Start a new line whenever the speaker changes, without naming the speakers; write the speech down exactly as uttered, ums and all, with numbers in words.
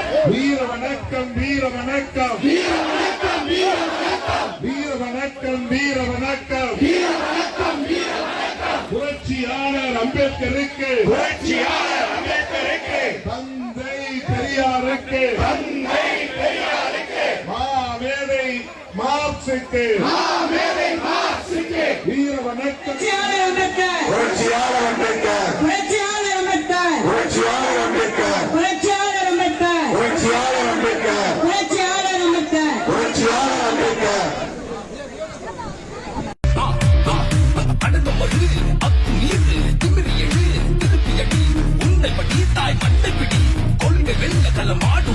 வீர வணக்கம் வீர வணக்கம்
வீர வணக்கம் வீர வணக்கம்
வீர வணக்கம் வீர வணக்கம்
வீர வணக்கம் வீர வணக்கம்
புரட்சியாளர் அம்பேத்கருக்கு
புரட்சியாளர் அம்பேத்கருக்கு
தந்தை பெரியாருக்கு
தந்தை பெரியாருக்கு
மாமேதை மார்க்சுக்கு
மாமேதை மார்க்சுக்கு
வீர வணக்கம்
புரட்சியாளர் அம்பேத்கர்
புரட்சியாளர் அம்பேத்கர்
புரட்சியாளர் அம்பேத்கர்
புரட்சியாளர் அம்பேத்கர்
புரட்சியாளர் அம்பேத்கர்
புரட்சியாளர் அம்பேத்கர்
புரட்சியாளர் அம்பேத்கர்
புரட்சியாளர் அம்பேத்கர்
அடக்கமது அத்துமீறு திமிரி எழு திருப்பி அடி உன்னை படி தாய் மண்டை பிடி கொள்கை வெள்ள களமாடு